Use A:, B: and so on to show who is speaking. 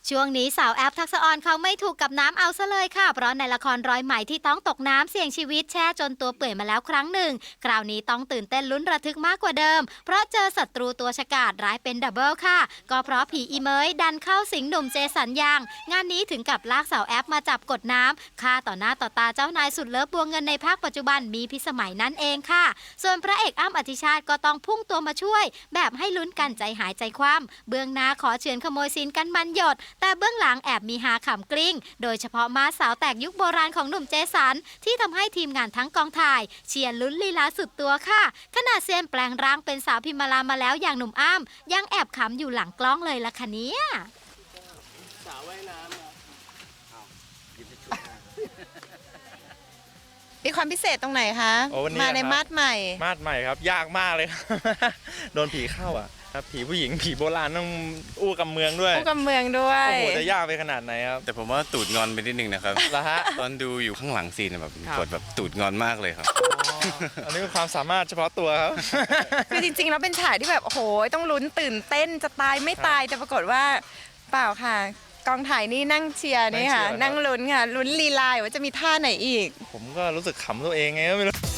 A: ช่วงนี้สาวแอปทักษะออนเขาไม่ถูกกับน้ำเอาซะเลยค่ะเพราะในละครร้อยไหมที่ต้องตกน้ำเสี่ยงชีวิตแช่จนตัวเปื่อยมาแล้วครั้งหนึ่งคราวนี้ต้องตื่นเต้นลุ้นระทึกมากกว่าเดิมเพราะเจอศัตรูตัวฉกาจร้ายเป็นดับเบิลค่ะก็เพราะผีอีเมยดันเข้าสิงหนุ่มเจสันยางงานนี้ถึงกับลากสาวแอปมาจับกดน้ำฆ่าต่อหน้าต่อตาเจ้านายสุดเลิฟบัวเงินในภาคปัจจุบันมีพิสมัยนั่นเองค่ะส่วนพระเอกอ้ำอธิชาติก็ต้องพุ่งตัวมาช่วยแบบให้ลุ้นกันใจหายใจคว่ำเบื้องหน้าขอเฉือนขโมยซีนกันมันหยดแต่เบื้องหลังแอบมีหาขำกลิ้งโดยเฉพาะม้าสาวแตกยุคโบราณของหนุ่มเจสันที่ทำให้ทีมงานทั้งกองถ่ายเชียร์ลุ้นลีลาสุดตัวค่ะขณะเซียนแปลงร่างเป็นสาวพิมมาลามาแล้วอย่างหนุ่มอ้ำยังแอบขำอยู่หลังกล้องเลยล่ะคะเนี่ย
B: สาวว่ายน้ำ
C: มีความพิเศษตรงไหนคะ
D: โอ้วันนี้
C: มาใน
D: ครับ
C: มาดใหม่
D: มาดใหม่ครับยากมากเลยครับ โดนผีเข้าอ่ะครับผีผู้หญิงผีโบราณต้องอู้กับเมืองด้วย
C: ผู้กำเมืองด้วย
D: โอ้โหจะยากไปขนาดไหนครับ
E: แต่ผมว่าตูดงอนไปนิดนึงนะครับ
D: ละฮะ
E: ตอนดูอยู่ข้างหลังซีนแบบ
D: ครับ
E: กดแบบตูดงอนมากเลยครับ
D: อันนี้เป็นความสามารถเฉพาะตัวครับ
C: คือจริงๆแล้วเป็นฉากที่แบบโอ้โหต้องลุ้นตื่นเต้นจะตายไม่ตายแต่ปรากฏว่าเปล่าค่ะ กองถ่ายนี่นั่งเชียร์นี่ค่ะ
D: นั่
C: นั่
D: ง
C: ง
D: เชียร์
C: ลุ้นค่ะลุ้นลีลาว่าจะมีท่าไหนอีก
D: ผมก็รู้สึกขำตัวเองไงก็ไม่รู้